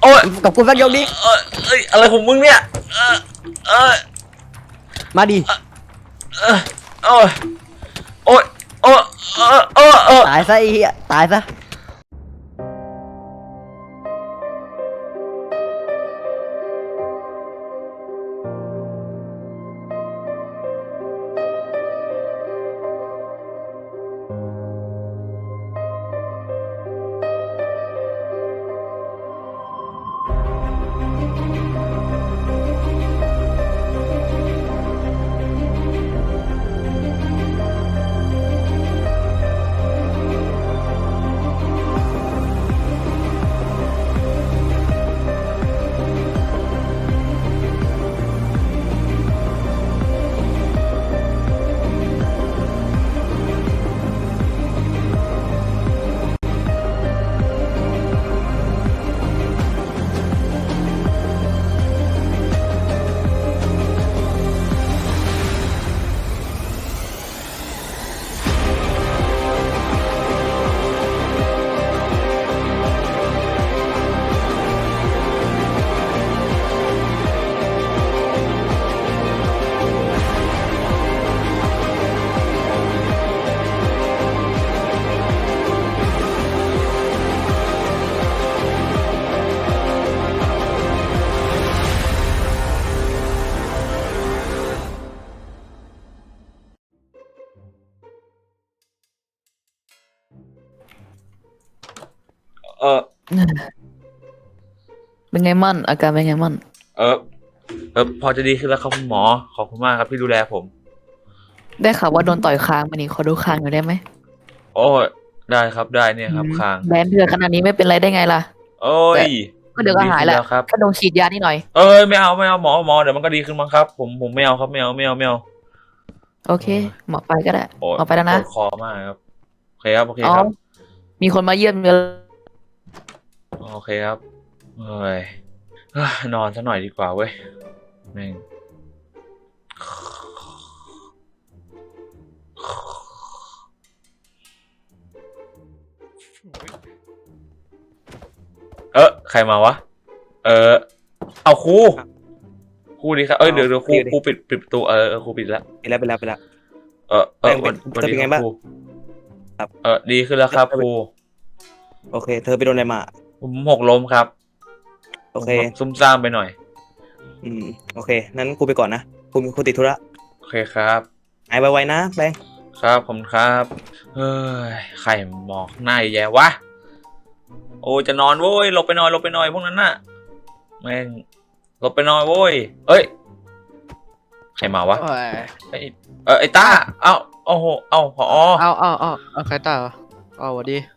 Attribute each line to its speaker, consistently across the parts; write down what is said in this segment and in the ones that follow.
Speaker 1: อ้ย
Speaker 2: กับกูสักยกดิ
Speaker 1: เอ้ยอะไรของมึงเนี่ยเออ
Speaker 2: มาดิ
Speaker 1: โอ้ยโอ้ยโอ้ย
Speaker 2: ตายซะไอ้เหี้ยตายซะ
Speaker 1: เออ
Speaker 3: เป็นไงมั่นอาการเป็นไงมั่น
Speaker 1: เออพอจะดีขึ้นแล้วครับคุณหมอขอบคุณมากครับที่ดูแลผม
Speaker 3: ได้ข่าวว่าโดนต่อยคางมานี่ขอดูคางหน่อยได้ไหม
Speaker 1: โอ้ยได้ครับได้เนี่ยครับคาง
Speaker 3: แบนเถื่อขนาดนี้ไม่เป็นไรได้ไงล่ะ
Speaker 1: โอ้ย
Speaker 3: ก็เดี๋ยวก็หายแหละ
Speaker 1: ครับ
Speaker 3: แค่โดนฉีดยานิดหน่อย
Speaker 1: ไม่เอาหมอเดี๋ยวมันก็ดีขึ้นมั้งครับผมไม่เอาครับไม่เอา
Speaker 3: โอเคหมอไปก็ได้หมอไปแล้วนะ
Speaker 1: ปวดคอมากครับโอเคครับ
Speaker 3: มีคนมาเยี่ยมเยอะ
Speaker 1: โอเคครับเฮ้ยนอนซะหน่อยดีกว่าเว้ยแม่งใครมาวะเอาครูดีครับเดี๋ยวครูปิดประตูครูปิดแล้ว
Speaker 2: ไปแล้ว
Speaker 1: วัน
Speaker 2: เป็นไงบ้าง
Speaker 1: ครับดีขึ้นแล้วครับครู
Speaker 2: โอเคเธอไปโดนอะไรมา
Speaker 1: ผมหกล้มครับ
Speaker 2: โอเค
Speaker 1: ซุ่มซ่ามไปหน่อย
Speaker 2: โอเคนั้นกูไปก่อนนะกูติดธุระ
Speaker 1: โอเคครับ
Speaker 2: หายไวๆนะแบงค์
Speaker 1: ครับผมครับเฮ้ยไข่หมอกหน้าแย่วะโอ้จะนอนโว้ยหลบไปหน่อยพวกนั้นน่ะแม่งหลบไปหน่อยโว้ยใครมาวะไอ้ต้าโอ้โหผอ
Speaker 4: เอาใครตาเอาสวัสดี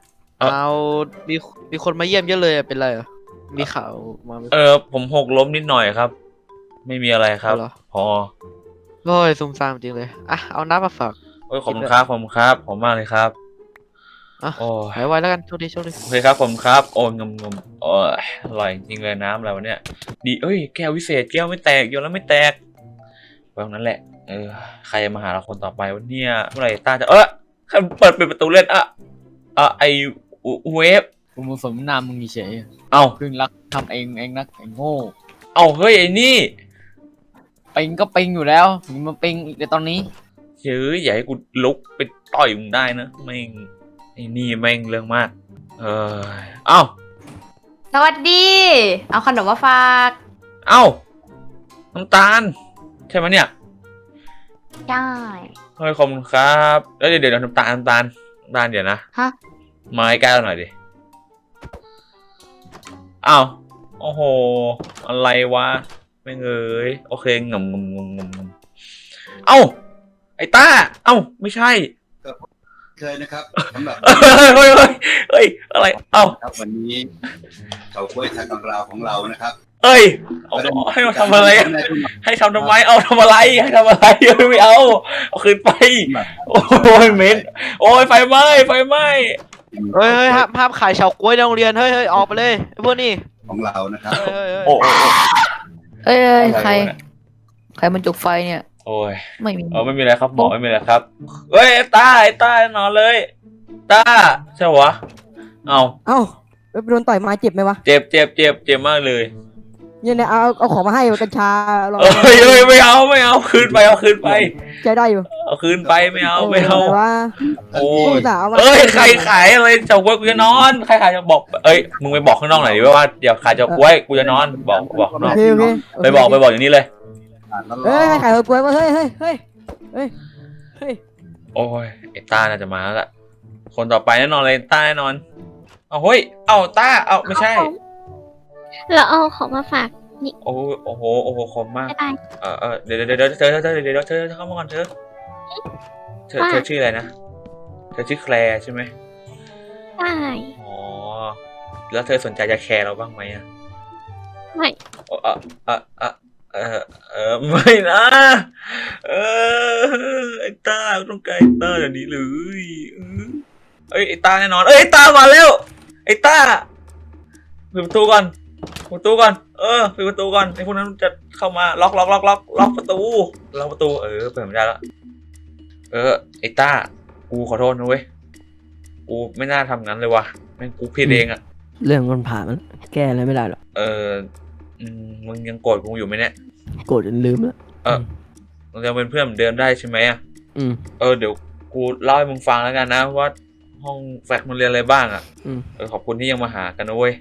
Speaker 4: มีคนมาเยี่ยมเยอะเลยเป็นไรมีข่าวมา
Speaker 1: ผมหกล้มนิดหน่อยครับไม่มีอะไรครับพอ
Speaker 4: โอ้ยซุ่มซ่ามจริงเลยเอาน้ำมาฝาก
Speaker 1: ขอบคุณครับผมมากเลยครับ
Speaker 4: หายไวแล้วกันโชคดี
Speaker 1: โอเคครับผมครับงมอร่อยจริงเลยน้ำอะไรวะเนี่ยดีแก้ววิเศษแก้วไม่แตกโยนแล้วไม่แตกแบบนั้นแหละใครมาหาเราคนต่อไปวันนี้เมื่อไหร่ต้าจะใครเปิดประตูเล่นไอเวฟ
Speaker 4: กูมึงสมนามมึงเฉยเพิ่งรักทำเองนักไอ้โง่
Speaker 1: เฮ้ยไอ้นี่
Speaker 4: ปิงก็ปิงอยู่แล้วมึงมาปิงอีกในตอนนี้
Speaker 1: อย่าให้กูลุกไปต่อยมึงได้นะแม่งไอ้นี่แม่งเรื่องมาก
Speaker 5: สวัสดีเอาขนมมาฝาก
Speaker 1: น้ำตาลใช่ไหมเนี่ย
Speaker 5: ใช่
Speaker 1: ขอบคุณครับแล้วเดี๋ยวน้ำตาลเดี๋ยวนะมาให้แก้วหน่อยดิโอ้โหอะไรวะไม่เงยโอเคงมไอ้ต้าไม่ใช่
Speaker 6: เคยนะครับสำหรับ
Speaker 1: เฮ้ยอะไร
Speaker 6: ครับวันนี้เขากล้วยทางกำราของเรานะครับ
Speaker 1: ให้มาทำอะไรให้ทำทำไมทำอะไรให้ทำอะไรไม่เอาคืนไปโอ้ยเม้นไฟไหม้
Speaker 4: เฮ้ยห้ามขายเฉาก๊วยในโรงเรียนเฮ้ยออกไปเลยพวกนี้
Speaker 6: ของเรานะครับ
Speaker 3: ใครมันจุกไฟเนี่ย
Speaker 1: ไม่มีอะไรครับหมอไม่มีอะไรครับต้านอนเลยต้าใช่วะ
Speaker 7: โดนต่อยมาเจ็บไหมวะ
Speaker 1: เจ็บมากเลย
Speaker 7: เนี่ยเอาของมาให้กัญชาลอง
Speaker 1: เอ้ยไม่เอาคืนไปเอาคืนไป
Speaker 7: ใจได้อยู่
Speaker 1: เอาคืนไปไม่เอา
Speaker 7: อะไรวะ
Speaker 1: โอ้
Speaker 7: อุ
Speaker 1: ย
Speaker 7: ตส่าห์เอามา
Speaker 1: เอ้ยใครขายอะไรเฉาก๊วยกูจะนอนใครขายจะบอกเอ้ยมึงไปบอกข้างนอกหน่อยดิว่าเดี๋ยวขายเฉาก๊วยกูจะนอนบอกข้างน
Speaker 7: โอ
Speaker 1: อก
Speaker 7: เคโอเค
Speaker 1: ไปบอกอย่างนี้เลย
Speaker 7: เฮ้ยขายเฮอร์กล้วยมาเฮ้ย
Speaker 1: โอ้ยไอ้ต้าน่าจะมาแล้วล่ะคนต่อไปแน่นอนเลยต้าแน่นอนเอาเฮ้ยเอาต้าเอาไม่ใช่
Speaker 8: เราเอาของมาฝาก
Speaker 1: โอ้โหคมมาก
Speaker 8: ไม่ได้
Speaker 1: เดี๋ยวเธอเข้ามาก่อนเธอชื่ออะไรนะเธอชื่อแคลร์ใช่ไหม
Speaker 8: ได้
Speaker 1: อ๋อแล้วเธอสนใจจะแคร์เราบ้างไหมอ่ะ
Speaker 8: ไม่
Speaker 1: ไม่นะไอ้ต้าต้องการไอ้ต้าแบบนี้เลยเอ้ยไอ้ต้าแน่นอนเอ้ยไอ้ต้ามาแล้วไอ้ต้าปิดประตูก่อนปิดประตูก่อนปิดประตูก่อนไอ้พวกนั้นจะเข้ามาล็อกประตูเปิดไม่ได้แล้วไอ้ต้ากูขอโทษนะเว้ยกูไม่น่าทำงั้นเลยว่ะแม่งกูผิดเองอ่ะ
Speaker 7: เรื่องมันผ่านมันแก้อะไรไม่ได้หรอก
Speaker 1: มึงยังโกรธกูอยู่ไหมเนี่ย
Speaker 7: โกรธจนลืมแล้ว
Speaker 1: เรายังเป็นเพื่อนเหมือนเดิมได้ใช่ไหมอ่ะ เดี๋ยวกูเล่าให้มึงฟังแล้วกันนะว่าห้องแฟกมันเรียนอะไรบ้างอ่ะขอบคุณที่ยังมาหากันนะเว้ย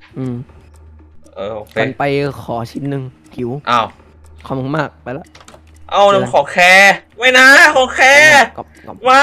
Speaker 1: โอเค
Speaker 7: กันไปขอชิ้นหนึ่งหิว
Speaker 1: อ้าว
Speaker 7: ขอบคุณมากไปแล้ว
Speaker 1: เอาน้ำขอแคร์ไม่นะขอแคร์ไม่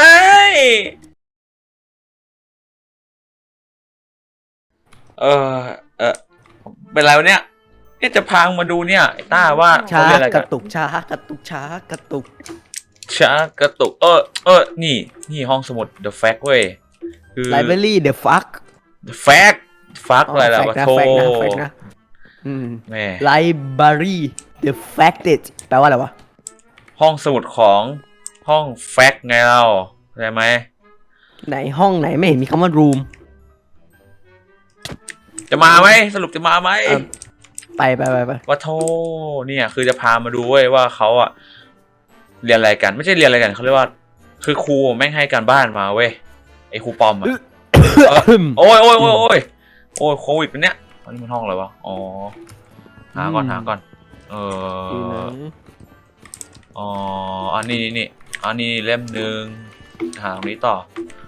Speaker 1: เป็นไรวะเนี่ยจะพางมาดูเนี่ยไอ้ต้าว่า
Speaker 7: ช้า
Speaker 1: เขาเรียนอะไร
Speaker 7: ก
Speaker 1: กัน
Speaker 7: ระตุกช้ากระตุกช้ากระตุก
Speaker 1: กระตุกนี่ห้องสมุด The Fact เว้ยคือ
Speaker 7: Library The Fuck
Speaker 1: The Fact อะไรล่ะวะโธ่
Speaker 7: แฟกนะ
Speaker 1: แม่
Speaker 7: Library The Facted แปลว่าอะไรวะ
Speaker 1: ห้องสมุดของห้อง Fact ไงเราเข้าใจไหม
Speaker 7: ไหนห้องไหนไม่เห็นมีคำว่า room
Speaker 1: จะมาไหมสรุปจะมาไหม
Speaker 7: ไป
Speaker 1: ว่าโธ่เนี่ยคือจะพามาดูเว้ยว่าเขาอะเรียนอะไรกันไม่ใช่เรียนอะไรกันเขาเรียกว่าคือครูแม่งให้การบ้านมาเว้ยไอ้ครูปอมอะโอ้ยโควิดเป็นเนี้ยอันนี้มันห้องอะไรวะอ๋อหาก่อนอันนี้เล่มหนึ่งหาตรงนี้ต่อ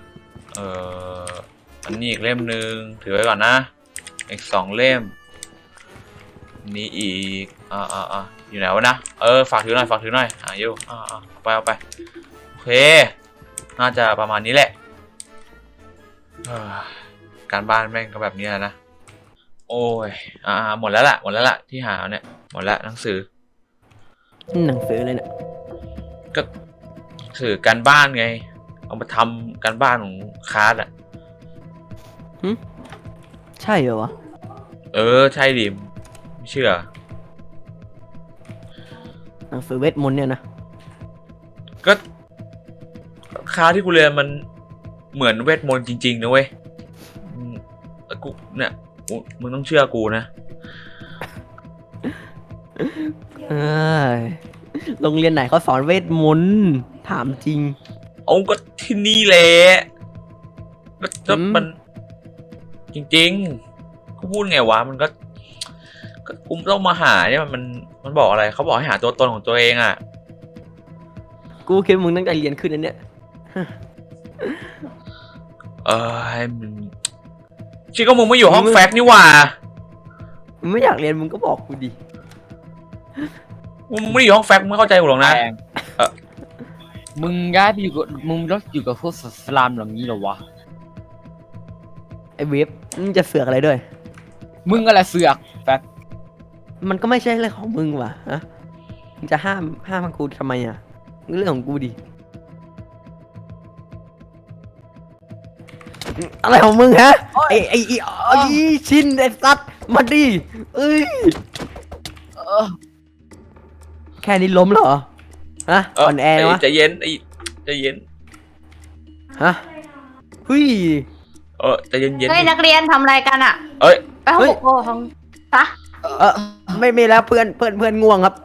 Speaker 1: อันนี้อีกเล่มหนึ่งถือไว้ก่อนนะอีก2 เล่มนี้อีกอยู่ไหนวะนะฝากถือหน่อยอยู่เอาไปโอเคน่าจะประมาณนี้แหละการบ้านแม่งก็แบบนี้แหละนะโอ้ยหมดแล้วล่ะที่หาเนี่ยหมดแล้วหนังสือ
Speaker 7: เลยเนี่ย
Speaker 1: ก็ถือการบ้านไงเอามาทำการบ้านของคลาสอ่ะ
Speaker 7: ใช่เหรอวะ
Speaker 1: ใช่ดิไม่เชื่อ
Speaker 7: หนังสือเวทมนต์เนี่ยนะ
Speaker 1: ก็คลาสที่กูเรียนมันเหมือนเวทมนต์จริงๆนะเว้ยกูเนี่ยมึงต้องเชื่อกูนะ
Speaker 7: โรงเรียนไหนเขาสอนเวทมนต์ถามจริง
Speaker 1: เอาก็ที่นี่แหละก็มันจริงๆกูพูดไงวะมันก็กูต้องมาหาเนี่ยมันบอกอะไรเขาบอกให้หาตัวตนของตัวเองอ่ะ
Speaker 7: กูคิดมึงตั้งใจเรียนขึ้นนั่นเนี่ย
Speaker 1: มึงชิก็มึงไม่อยู่ห้องแฟกนี่หว่า
Speaker 7: มึงไม่อยากเรียนมึงก็บอกกูดิ
Speaker 1: มึงไม่ได้อยู่ห้องแฟกมึงไม่เข้าใจกูหรอกนะ
Speaker 9: มึงย้ายไปอยู่กับมึงแล้วอยู่กับพวกสลามอย่างนี้เหรอวะ
Speaker 7: ไอ้เวฟมึงจะเสือกอะไรด้วย
Speaker 9: มึงอะไรเสือกแฟก
Speaker 7: มันก็ไม่ใช่เรื่องของมึงว่ะฮะมึงจะห้ามกูทำไมอ่ะเรื่องของกูดิอะไรของมึงฮะไอ้ชินไอ้สัตว์มาดิแค่นี้ล้มเหรอฮะอ่อนแอวะ
Speaker 1: ใจเย็น
Speaker 7: ฮะเฮ้ย
Speaker 1: ใจเย็น
Speaker 5: เฮ้ยนักเรียนทำอะไรกันอ่ะไปห้องปกครองปะ
Speaker 7: ไม่แล้วเพื่อนง่วงครับ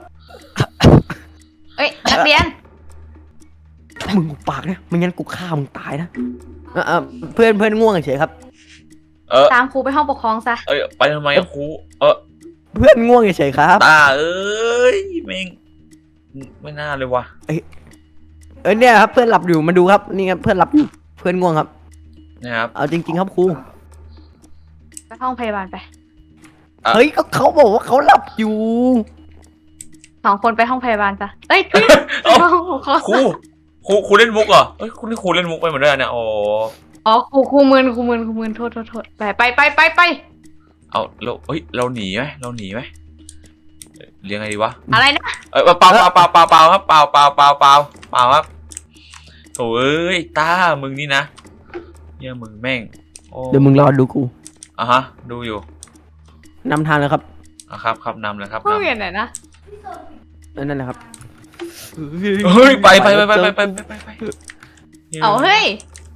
Speaker 5: นักเรียน
Speaker 7: มึงปากนะไม่งั้นกูฆ่ามึงตายนะเพื่อนง่วงเฉยครับ
Speaker 5: ตามครูไปห้องปกครองซะ
Speaker 1: ไปทำไมอะครู
Speaker 7: เพื่อนง่วงเฉยๆครับ
Speaker 1: ตาเอ้ยแม่งไม่น่าเลยวะ
Speaker 7: เนี่ยครับเพื่อนหลับอยู่มาดูครับนี่ครับเพื่อนหลับอยู่เพื่อนง่วงครับ
Speaker 1: นะครับ
Speaker 7: เอาจริงๆครับครู
Speaker 5: ไปห้องพยาบาลไป
Speaker 7: เฮ้ยก็เขาบอกว่าเขาหลับอยู่
Speaker 5: 2 คนไปห้องพยาบาลซะเอ้ยไปห้องปกครอง
Speaker 1: ครูเล่นมุกเหรอเอ้ยคุณนี่ครูเล่นมุกไปหมดเลยเนี่ยโอ้
Speaker 5: อ๋อครูมึนโทษไป
Speaker 1: เอาเราหนีไหมเรียงไงดีวะ
Speaker 5: อะไรนะ
Speaker 1: เปล่าครับเปล่าครับโถ่เอ้ยตามึงนี่นะเนี่ยมึงแม่งโอ้
Speaker 7: เดี๋ยวมึงรอดูกู
Speaker 1: อ่ะฮะดูอยู่
Speaker 7: นำทางเลยครับ
Speaker 1: อ่ะครับนำเลยครับ
Speaker 5: ห้องเรียนไหนนะ
Speaker 7: นั่นแหละครับ
Speaker 1: เฮ้ยไป
Speaker 5: เอาเฮ้ย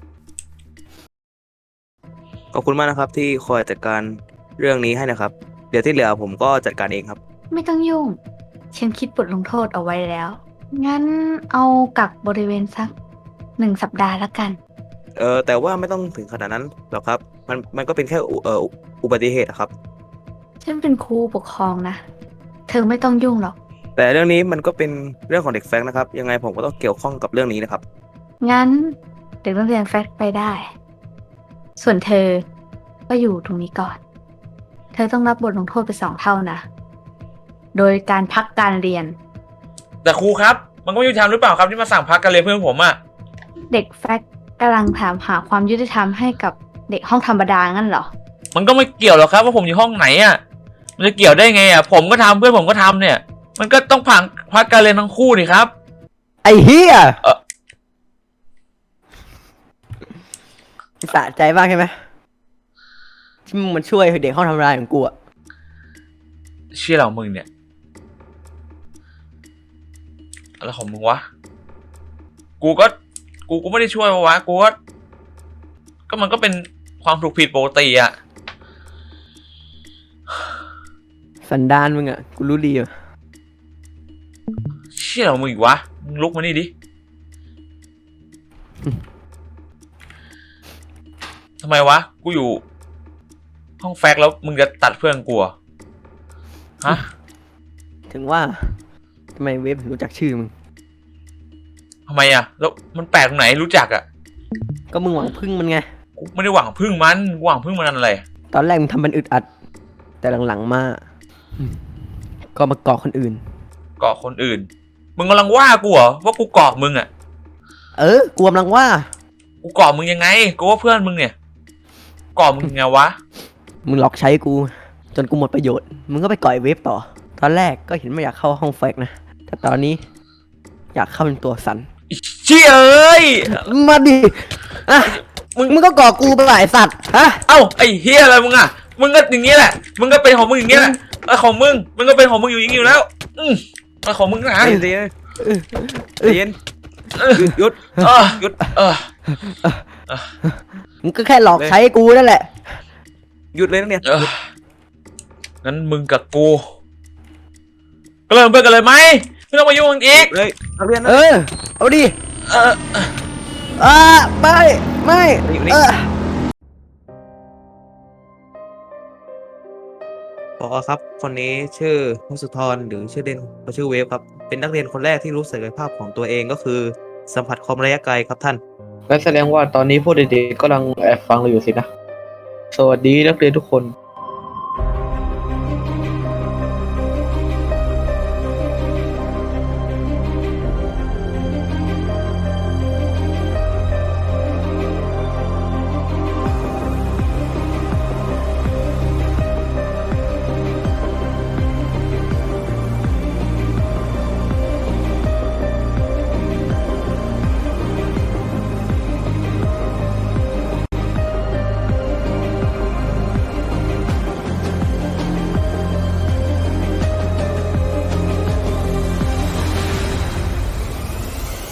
Speaker 2: ขอบคุณมากนะครับที่คอยจัดการเรื่องนี้ให้นะครับ เดี๋ยวที่เหลือผมก็จัดการเองครับ
Speaker 5: ไม่ต้องยุ่ง ฉันคิดบทลงโทษเอาไว้แล้ว งั้นเอากักบริเวณสัก1 สัปดาห์ละกัน
Speaker 2: แต่ว่าไม่ต้องถึงขนาดนั้นหรอกครับ มันก็เป็นแค่อุบัติเหตุอะครับ
Speaker 5: ฉันเป็นครูปกครองนะ เธอไม่ต้องยุ่งหรอก
Speaker 2: แต่เรื่องนี้มันก็เป็นเรื่องของเด็กแฟงนะครับ ยังไงผมก็ต้องเกี่ยวข้องกับเรื่องนี้นะครับ
Speaker 5: งั้นเด็กนักเรียนแฟกไปได้ ส่วนเธอก็อยู่ตรงนี้ก่อน เธอต้องรับบทลงโทษไป2 เท่านะ โดยการพักการเรียน
Speaker 1: แต่ครูครับมันก็ไม่ยุติธรรมหรือเปล่าครับที่มาสั่งพักการเรียนเพื่อนผมอะ
Speaker 5: เด็กแฟกกำลังถามหาความยุติธรรมให้กับเด็กห้องธรรมดางั้นเหรอ
Speaker 1: มันก็ไม่เกี่ยวหรอกครับว่าผมอยู่ห้องไหนอะมันจะเกี่ยวได้ไงอะผมก็ทำเพื่อนผมก็ทำเนี่ย มันก็ต้องพักการเรียนทั้งคู่ดิครับ
Speaker 7: ไอ้เหี้ยสะใจมากใช่ไหมที่มึงมันช่วยเด็กห้องทำรายของกูอะ
Speaker 1: เชื่อเรามึงเนี่ยอะไรของมึงวะกูก็ไม่ได้ช่วยวะกูก็มันก็เป็นความถูกผิดปกติอะ
Speaker 7: สันดานมึงอะกูรู้ดีอะ
Speaker 1: เชี่ยเรามึงอีกวะมึงลุกมานี่ดิทำไมวะกูอยู่ห้องแฟกแล้วมึงจะตัดเพื่อนกูเหรอฮะ
Speaker 7: ถึงว่าทำไมเวฟถึงรู้จักชื่อมึง
Speaker 1: ทำไมอะแล้วมันแปลกตรงไหนรู้จักอะ
Speaker 7: ก็มึงหวังพึ่งมันไง
Speaker 1: กูไม่ได้หวังพึ่งมันกูหวังพึ่งมันอะไร
Speaker 7: ตอนแรกมึงทำมันอึดอัด แต่หลังๆมาก็มาเกาะคนอื่น
Speaker 1: เกาะคนอื่นมึงกำลังว่ากูเหรอว่ากูเกาะมึงอะ
Speaker 7: กูกำลังว่า
Speaker 1: กูเกาะมึงยังไงกูว่าเพื่อนมึงเนี่ยเกาะมึงยังไงวะ
Speaker 7: มึงหลอกใช้กู จนกูหมดประโยชน์ มึงก็ไปก่อยเวฟต่อ ตอนแรกก็เห็นไม่อยากเข้าห้องแฟกนะ แต่ตอนนี้ อยากเข้าเป็นตัวสัน
Speaker 1: เชี่ยเอ้ย
Speaker 7: มาดิอ่ะมึงก็ก่อกูไปหลายสัตว์ฮะ
Speaker 1: เอ้าไอ้เฮียอะไรมึงอะมึงก็อย่างนี้แหละมึงก็เป็นของมึงอย่างนี้แหละไอ้ของมึงก็เป็นของมึงอยู่อย่างนี้อยู่แล้วไอ้ของมึงนะ
Speaker 2: ใจเย็นหยุด
Speaker 1: หยุด
Speaker 7: มึงก็แค่หลอกใช้กูนั่นแหละ
Speaker 2: หยุดเลยนักเรียน
Speaker 1: งั้นมึงกับกูก็เริ่มเพื่อนกันเลยไหมไม่ต้องมายุ่งกันอีก
Speaker 2: เลยนักเรียนนะ
Speaker 7: เอาดิ
Speaker 1: เออ
Speaker 7: ไม่
Speaker 2: อยู่นี่พอครับ คนนี้ชื่อพงศธรหรือชื่อเด่นเขาชื่อเวฟครับ เป็นนักเรียนคนแรกที่รู้ศักยภาพของตัวเองก็คือสัมผัสความระยะไกลครับท่าน
Speaker 10: งั้นแสดงว่าตอนนี้พวกเด็กๆกำลังแอบฟังเราอยู่สินะ สวัสดีนักเรียนทุกคน